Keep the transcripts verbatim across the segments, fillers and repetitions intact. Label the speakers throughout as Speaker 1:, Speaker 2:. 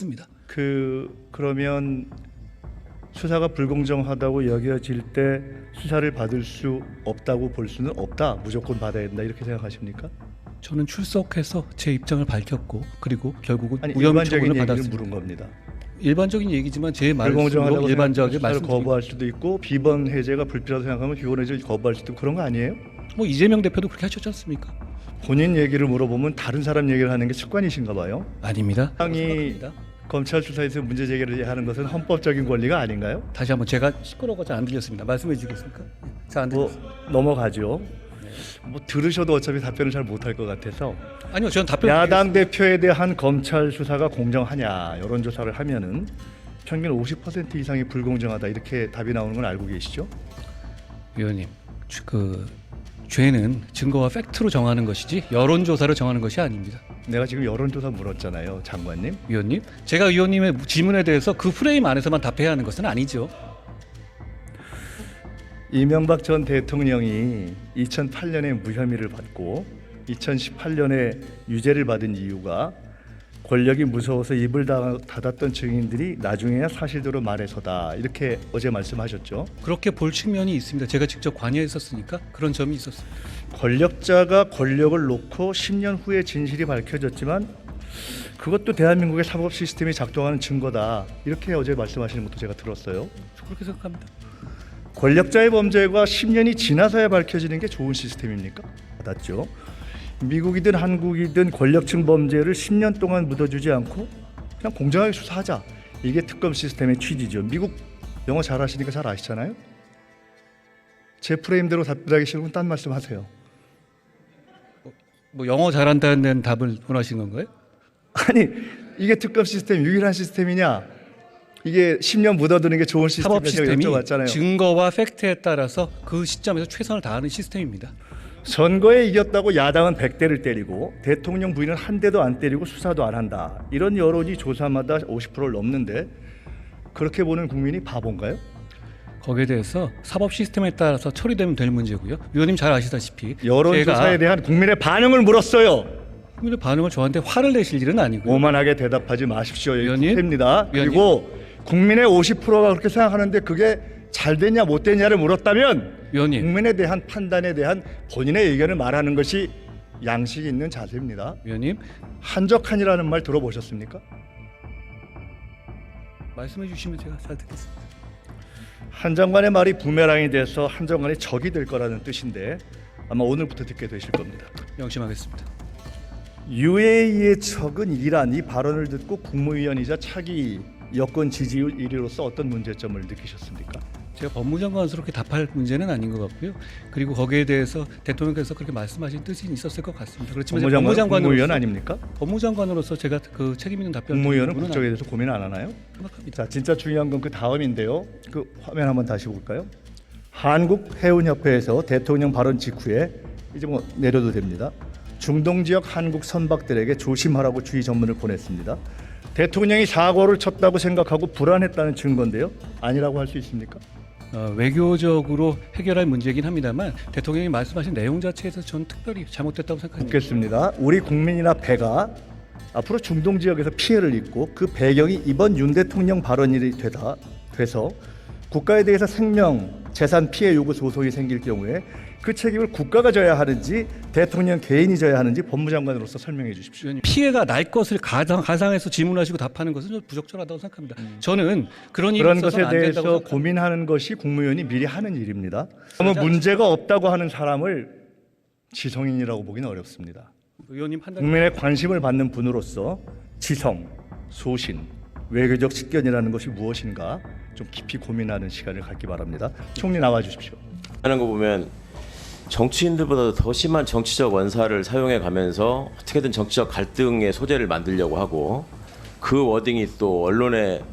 Speaker 1: 있습니다.
Speaker 2: 그 그러면 수사가 불공정하다고 여겨질 때 수사를 받을 수 없다고 볼 수는 없다. 무조건 받아야 된다. 이렇게 생각하십니까?
Speaker 1: 저는 출석해서 제 입장을 밝혔고 그리고 결국은
Speaker 2: 아니
Speaker 1: 무혐의
Speaker 2: 일반적인
Speaker 1: 처분을
Speaker 2: 얘기를
Speaker 1: 받았습니다.
Speaker 2: 물은 겁니다.
Speaker 1: 일반적인 얘기지만 제 말씀으로
Speaker 2: 불공정하다고
Speaker 1: 일반적인
Speaker 2: 수사를
Speaker 1: 말씀
Speaker 2: 거부할 수도 있고 비번 해제가 불필요하다고 생각하면 비번 해제를 거부할 수도 있고 그런 거 아니에요?
Speaker 1: 뭐 이재명 대표도 그렇게 하셨지 않습니까?
Speaker 2: 본인 얘기를 물어보면 다른 사람 얘기를 하는 게 습관이신가 봐요.
Speaker 1: 아닙니다.
Speaker 2: 당이
Speaker 1: 생각합니다.
Speaker 2: 검찰 수사에서 문제 제기를 하는 것은 헌법적인 권리가 아닌가요?
Speaker 1: 다시 한번 제가 시끄러워서 잘 안 들렸습니다. 말씀해 주시겠습니까? 잘 안
Speaker 2: 뭐
Speaker 1: 들렸습니다.
Speaker 2: 넘어가죠. 뭐 들으셔도 어차피 답변을 잘 못할 것 같아서
Speaker 1: 아니요, 저는 답변
Speaker 2: 야당 대표에 대한 검찰 수사가 공정하냐 여론조사를 하면은 평균 오십 퍼센트 이상이 불공정하다 이렇게 답이 나오는 건 알고 계시죠?
Speaker 1: 위원님, 주- 그 죄는 증거와 팩트로 정하는 것이지 여론조사로 정하는 것이 아닙니다.
Speaker 2: 내가 지금 여론조사 물었잖아요, 장관님.
Speaker 1: 위원님, 제가 위원님의 질문에 대해서 그 프레임 안에서만 답해야 하는 것은 아니죠.
Speaker 2: 이명박 전 대통령이 이천팔 년에 무혐의를 받고 이천십팔 년에 유죄를 받은 이유가 권력이 무서워서 입을 다- 닫았던 증인들이 나중에야 사실대로 말해서다 이렇게 어제 말씀하셨죠.
Speaker 1: 그렇게 볼 측면이 있습니다. 제가 직접 관여했었으니까 그런 점이 있었습니다.
Speaker 2: 권력자가 권력을 놓고 십 년 후에 진실이 밝혀졌지만 그것도 대한민국의 사법 시스템이 작동하는 증거다 이렇게 어제 말씀하시는 것도 제가 들었어요.
Speaker 1: 그렇게 생각합니다.
Speaker 2: 권력자의 범죄가 십 년이 지나서야 밝혀지는 게 좋은 시스템입니까? 맞죠. 미국이든 한국이든 권력층 범죄를 십 년 동안 묻어주지 않고 그냥 공정하게 수사하자. 이게 특검 시스템의 취지죠. 미국 영어 잘하시니까 잘 아시잖아요. 제 프레임대로 답변하기 싫으면 딴 말씀하세요.
Speaker 1: 뭐 영어 잘한다는 답을 원하시는 건가요?
Speaker 2: 아니 이게 특검 시스템 유일한 시스템이냐? 이게 십 년 묻어두는 게 좋은
Speaker 1: 사법
Speaker 2: 시스템이냐
Speaker 1: 시스템이
Speaker 2: 여쭤봤잖아요.
Speaker 1: 증거와 팩트에 따라서 그 시점에서 최선을 다하는 시스템입니다.
Speaker 2: 선거에 이겼다고 야당은 백 대를 때리고 대통령 부인은 한 대도 안 때리고 수사도 안 한다. 이런 여론이 조사마다 오십 퍼센트를 넘는데 그렇게 보는 국민이 바본가요?
Speaker 1: 거기에 대해서 사법 시스템에 따라서 처리되면 될 문제고요. 위원님 잘 아시다시피
Speaker 2: 여론조사에
Speaker 1: 제가
Speaker 2: 대한 국민의 반응을 물었어요.
Speaker 1: 국민의 반응을 저한테 화를 내실 일은 아니고요.
Speaker 2: 오만하게 대답하지 마십시오.
Speaker 1: 위원님?
Speaker 2: 입니다.
Speaker 1: 위원님?
Speaker 2: 그리고 국민의 오십 퍼센트가 그렇게 생각하는데 그게 잘 됐냐 못 됐냐를 물었다면
Speaker 1: 위원님,
Speaker 2: 국민에 대한 판단에 대한 본인의 의견을 말하는 것이 양식 있는 자세입니다.
Speaker 1: 위원님
Speaker 2: 한적한이라는 말 들어보셨습니까?
Speaker 1: 말씀해 주시면 제가 잘 듣겠습니다.
Speaker 2: 한 장관의 말이 부메랑이 돼서 한 장관의 적이 될 거라는 뜻인데 아마 오늘부터 듣게 되실 겁니다.
Speaker 1: 명심하겠습니다.
Speaker 2: 유에이의 적은 이란 이 발언을 듣고 국무위원이자 차기 여권 지지율 일 위로서 어떤 문제점을 느끼셨습니까?
Speaker 1: 제가 법무장관으로서 답할 문제는 아닌 것 같고요. 그리고 거기에 대해서 대통령께서 그렇게 말씀하신 뜻이 있었을 것 같습니다. 그렇지만 제가
Speaker 2: 법무장관, 국무위원
Speaker 1: 법무장관으로서
Speaker 2: 아닙니까?
Speaker 1: 법무장관으로서 제가 그 책임 있는 답변을
Speaker 2: 국무위원은
Speaker 1: 드리는
Speaker 2: 국정에
Speaker 1: 부분은
Speaker 2: 대해서 고민 안 하나요?
Speaker 1: 생각합니다.
Speaker 2: 자, 진짜 중요한 건 그 다음인데요. 그 화면 한번 다시 볼까요? 한국해운협회에서 대통령 발언 직후에 이제 뭐 내려도 됩니다. 중동 지역 한국 선박들에게 조심하라고 주의 전문을 보냈습니다. 대통령이 사고를 쳤다고 생각하고 불안했다는 증거인데요. 아니라고 할 수 있습니까?
Speaker 1: 어, 외교적으로 해결할 문제이긴 합니다만 대통령이 말씀하신 내용 자체에서 저는 특별히 잘못됐다고 생각합니다.
Speaker 2: 묻겠습니다. 우리 국민이나 배가 앞으로 중동 지역에서 피해를 입고 그 배경이 이번 윤 대통령 발언이 되다 돼서 국가에 대해서 생명, 재산 피해 요구 소송이 생길 경우에 그 책임을 국가가 져야 하는지 대통령 개인이 져야 하는지 법무장관으로서 설명해 주십시오.
Speaker 1: 위원님, 피해가 날 것을 가상, 가상해서 질문하시고 답하는 것은 좀 부적절하다고 생각합니다. 저는 그런 일이
Speaker 2: 그런
Speaker 1: 있어서는
Speaker 2: 것에
Speaker 1: 안 된다고
Speaker 2: 대해서
Speaker 1: 생각합니다.
Speaker 2: 고민하는 것이 국무위원이 미리 하는 일입니다. 그러면 문제가 없다고 하는 사람을 지성인이라고 보기는 어렵습니다.
Speaker 1: 의원님 판단.
Speaker 2: 국민의 관심을 받는 분으로서 지성, 소신, 외교적 식견이라는 것이 무엇인가 좀 깊이 고민하는 시간을 갖기 바랍니다. 총리 나와 주십시오.
Speaker 3: 하는 거 보면 정치인들보다 더 심한 정치적 원사를 사용해 가면서 어떻게든 정치적 갈등의 소재를 만들려고 하고 그 워딩이 또 언론에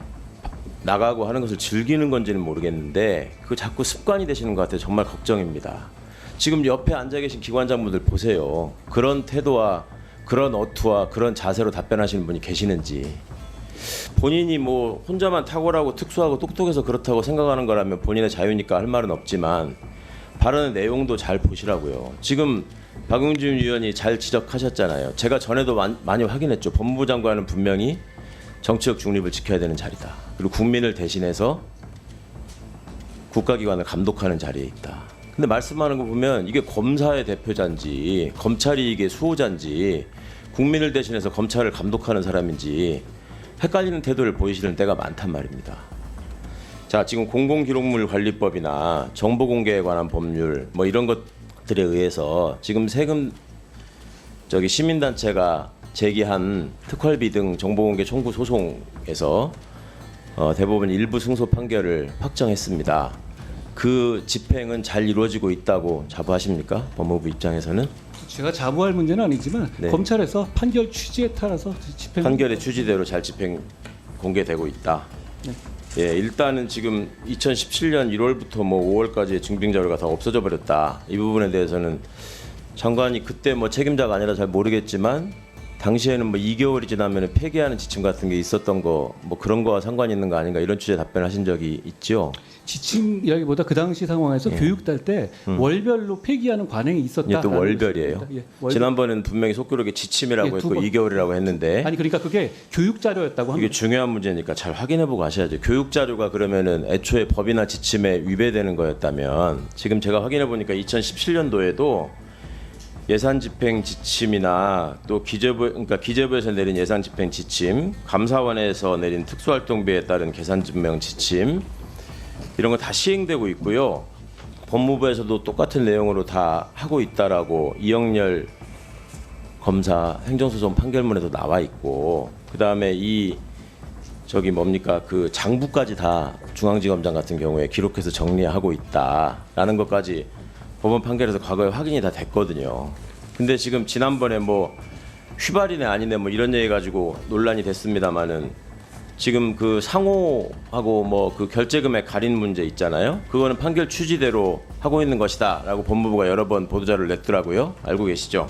Speaker 3: 나가고 하는 것을 즐기는 건지는 모르겠는데 그 자꾸 습관이 되시는 것 같아요. 정말 걱정입니다. 지금 옆에 앉아 계신 기관장분들 보세요. 그런 태도와 그런 어투와 그런 자세로 답변하시는 분이 계시는지. 본인이 뭐 혼자만 탁월하고 특수하고 똑똑해서 그렇다고 생각하는 거라면 본인의 자유니까 할 말은 없지만 발언의 내용도 잘 보시라고요. 지금 박용진 의원이 잘 지적하셨잖아요. 제가 전에도 많이 확인했죠. 법무부 장관은 분명히 정치적 중립을 지켜야 되는 자리다. 그리고 국민을 대신해서 국가기관을 감독하는 자리에 있다. 근데 말씀하는 거 보면 이게 검사의 대표자인지 검찰이 이게 수호자인지 국민을 대신해서 검찰을 감독하는 사람인지 헷갈리는 태도를 보이시는 때가 많단 말입니다. 자, 지금 공공기록물 관리법이나 정보공개에 관한 법률 뭐 이런 것들에 의해서 지금 세금 저기 시민단체가 제기한 특활비 등 정보공개 청구 소송에서 어, 대법원 일부 승소 판결을 확정했습니다. 그 집행은 잘 이루어지고 있다고 자부하십니까? 법무부 입장에서는?
Speaker 1: 제가 자부할 문제는 아니지만
Speaker 3: 네.
Speaker 1: 검찰에서 판결 취지에 따라서 집행
Speaker 3: 판결의 취지대로 잘 집행 공개되고 있다.
Speaker 1: 네.
Speaker 3: 예, 일단은 지금 이천십칠 년 일월부터 뭐 오월까지의 증빙 자료가 다 없어져 버렸다. 이 부분에 대해서는 장관이 그때 뭐 책임자가 아니라 잘 모르겠지만 당시에는 뭐 이 개월이 지나면 폐기하는 지침 같은 게 있었던 거 뭐 그런 거와 상관이 있는 거 아닌가 이런 취지의 답변하신 적이 있죠.
Speaker 1: 지침이라기보다 그 당시 상황에서
Speaker 3: 예.
Speaker 1: 교육달 때
Speaker 3: 음.
Speaker 1: 월별로 폐기하는 관행이 있었다.
Speaker 3: 이게 또 월별이에요.
Speaker 1: 예, 월별.
Speaker 3: 지난번에는 분명히 속기록에 지침이라고
Speaker 1: 예, 두
Speaker 3: 했고
Speaker 1: 번.
Speaker 3: 이 개월이라고 했는데
Speaker 1: 아니 그러니까 그게 교육 자료였다고
Speaker 3: 이게
Speaker 1: 합니다.
Speaker 3: 중요한 문제니까 잘 확인해보고 하셔야죠. 교육 자료가 그러면은 애초에 법이나 지침에 위배되는 거였다면 지금 제가 확인해보니까 이천십칠 년도에도 예산 집행 지침이나 또 기재부 그러니까 기재부에서 내린 예산 집행 지침, 감사원에서 내린 특수활동비에 따른 계산 증명 지침 이런 거 다 시행되고 있고요. 법무부에서도 똑같은 내용으로 다 하고 있다라고 이영렬 검사 행정소송 판결문에도 나와 있고 그다음에 이 저기 뭡니까 그 장부까지 다 중앙지검장 같은 경우에 기록해서 정리하고 있다라는 것까지 법원 판결에서 과거에 확인이 다 됐거든요. 근데 지금 지난번에 뭐 휘발이네 아니네 뭐 이런 얘기 가지고 논란이 됐습니다마는 지금 그 상호하고 뭐 그 결제금액 가린 문제 있잖아요. 그거는 판결 취지대로 하고 있는 것이다라고 법무부가 여러 번 보도자료를 냈더라고요. 알고 계시죠?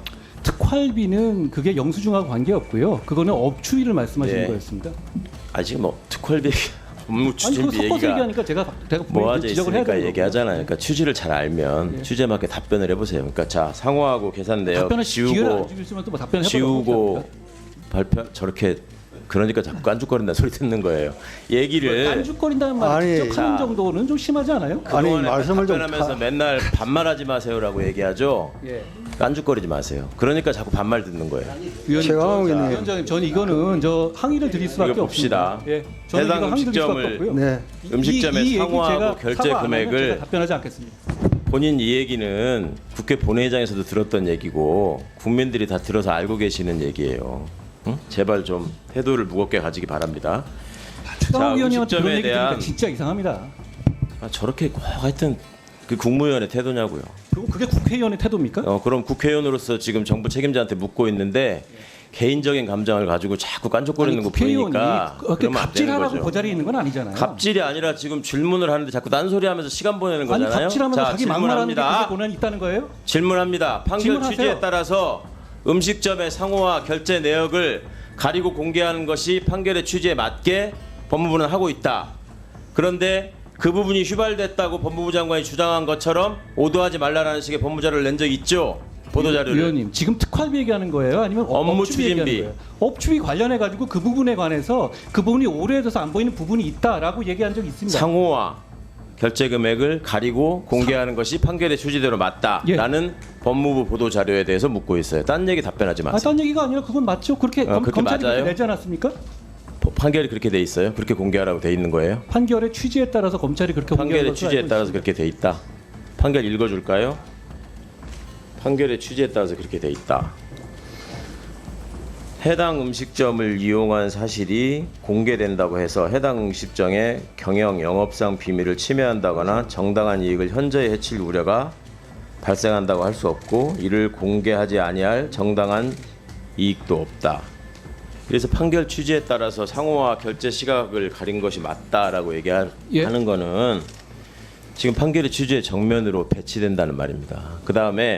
Speaker 1: 특활비는 그게 영수증하고 관계없고요. 그거는 업추위를 말씀하시는
Speaker 3: 네.
Speaker 1: 거였습니다.
Speaker 3: 아직 뭐 특활비 업무
Speaker 1: 아니 그거
Speaker 3: 추진비
Speaker 1: 섞어서
Speaker 3: 얘기가
Speaker 1: 얘기하니까 제가 제가
Speaker 3: 모아져
Speaker 1: 분명히 지적을 해야
Speaker 3: 있으니까
Speaker 1: 되는
Speaker 3: 얘기하잖아요. 그러니까 취지를 잘 알면
Speaker 1: 예.
Speaker 3: 취지에 맞게 답변을 해보세요. 그러니까 자 상호하고 계산 내역
Speaker 1: 답변을 기회를
Speaker 3: 지우고
Speaker 1: 안 주시면 또뭐 답변을
Speaker 3: 지우고 발표 저렇게 그러니까 자꾸 깐죽거린다는 소리 듣는 거예요. 얘기를
Speaker 1: 깐죽거린다는 말
Speaker 4: 아니,
Speaker 1: 직접 하는
Speaker 3: 자.
Speaker 1: 정도는 좀 심하지 않아요?
Speaker 4: 아니,
Speaker 3: 그동안에
Speaker 4: 말씀을 좀
Speaker 3: 답변하면서
Speaker 4: 다-
Speaker 3: 맨날 반말하지 마세요라고 얘기하죠.
Speaker 1: 예.
Speaker 3: 깐죽거리지 마세요. 그러니까 자꾸 반말 듣는 거예요.
Speaker 1: 위원님,
Speaker 4: 제가
Speaker 1: 저-
Speaker 4: 하고 있는-
Speaker 1: 위원장님, 저는 이거는 저 항의를 드릴 수밖에
Speaker 3: 이거 봅시다.
Speaker 1: 없습니다. 예, 저는
Speaker 3: 해당
Speaker 1: 이거 항의 드릴 수밖에
Speaker 3: 음식점을
Speaker 1: 없고요.
Speaker 4: 네.
Speaker 1: 이-
Speaker 3: 음식점의
Speaker 1: 이- 이 얘기
Speaker 3: 상호하고
Speaker 1: 제가
Speaker 3: 결제
Speaker 1: 사과 안 하면
Speaker 3: 금액을
Speaker 1: 제가 답변하지 않겠습니다.
Speaker 3: 본인 이 얘기는 국회 본회의장에서도 들었던 얘기고 국민들이 다 들어서 알고 계시는 얘기예요. 응? 제발 좀 태도를 무겁게 가지기 바랍니다.
Speaker 1: 최강욱 위원님한테
Speaker 3: 음식점에
Speaker 1: 그런 얘기 들으니까
Speaker 3: 대한
Speaker 1: 진짜 이상합니다.
Speaker 3: 아, 저렇게 꼭 하여튼 그 국무위원의 태도냐고요.
Speaker 1: 그리고 그게 국회의원의 태도입니까?
Speaker 3: 어, 그럼 국회의원으로서 지금 정부 책임자한테 묻고 있는데 개인적인 감정을 가지고 자꾸 깐족거리는 거
Speaker 1: 국회의원이
Speaker 3: 보니까
Speaker 1: 그렇게
Speaker 3: 그러면 안 되는
Speaker 1: 갑질하라고
Speaker 3: 거죠.
Speaker 1: 그 자리에 있는 건 아니잖아요.
Speaker 3: 갑질이 아니라 지금 질문을 하는데 자꾸 딴소리하면서 시간 보내는
Speaker 1: 아니
Speaker 3: 거잖아요.
Speaker 1: 갑질하면서
Speaker 3: 자,
Speaker 1: 자기 막말하는 게 그게
Speaker 3: 질문합니다.
Speaker 1: 고난이 있다는 거예요?
Speaker 3: 질문합니다. 판결
Speaker 1: 질문하세요.
Speaker 3: 취지에 따라서 음식점의 상호와 결제 내역을 가리고 공개하는 것이 판결의 취지에 맞게 법무부는 하고 있다. 그런데 그 부분이 휘발됐다고 법무부 장관이 주장한 것처럼 오도하지 말라라는 식의 법무자료를 낸 적이 있죠. 보도자료를.
Speaker 1: 위원님 지금 특활비 얘기하는 거예요? 아니면 업-
Speaker 3: 업무
Speaker 1: 업추비 얘기하는
Speaker 3: 추진비.
Speaker 1: 거예요? 업추비 관련해 가지고 그 부분에 관해서 그 부분이 오래돼서 안 보이는 부분이 있다라고 얘기한 적이 있습니다.
Speaker 3: 상호와 결제 금액을 가리고 공개하는 것이 판결의 취지대로 맞다라는 법무부 보도 자료에 대해서 묻고 있어요. 딴 얘기 답변하지
Speaker 1: 아,
Speaker 3: 마세요.
Speaker 1: 딴 얘기가 아니라 그건 맞죠? 그렇게
Speaker 3: 어,
Speaker 1: 검,
Speaker 3: 그렇게
Speaker 1: 검찰이
Speaker 3: 맞아요?
Speaker 1: 그렇게 내지 않았습니까?
Speaker 3: 법- 판결이 그렇게 돼 있어요. 그렇게 공개하라고 돼 있는 거예요.
Speaker 1: 판결의 취지에 따라서 검찰이 그렇게 공개한
Speaker 3: 판결의
Speaker 1: 것으로
Speaker 3: 취지에
Speaker 1: 알고
Speaker 3: 따라서
Speaker 1: 있습니다.
Speaker 3: 그렇게 돼 있다. 판결 읽어줄까요? 판결의 취지에 따라서 그렇게 돼 있다. 해당 음식점을 이용한 사실이 공개된다고 해서 해당 음식점의 경영 영업상 비밀을 침해한다거나 정당한 이익을 현저히 해칠 우려가 발생한다고 할 수 없고 이를 공개하지 아니할 정당한 이익도 없다. 그래서 판결 취지에 따라서 상호와 결제 시각을 가린 것이 맞다라고 얘기하는
Speaker 1: 예.
Speaker 3: 거는 지금 판결의 취지의 정면으로 배치된다는 말입니다. 그 다음에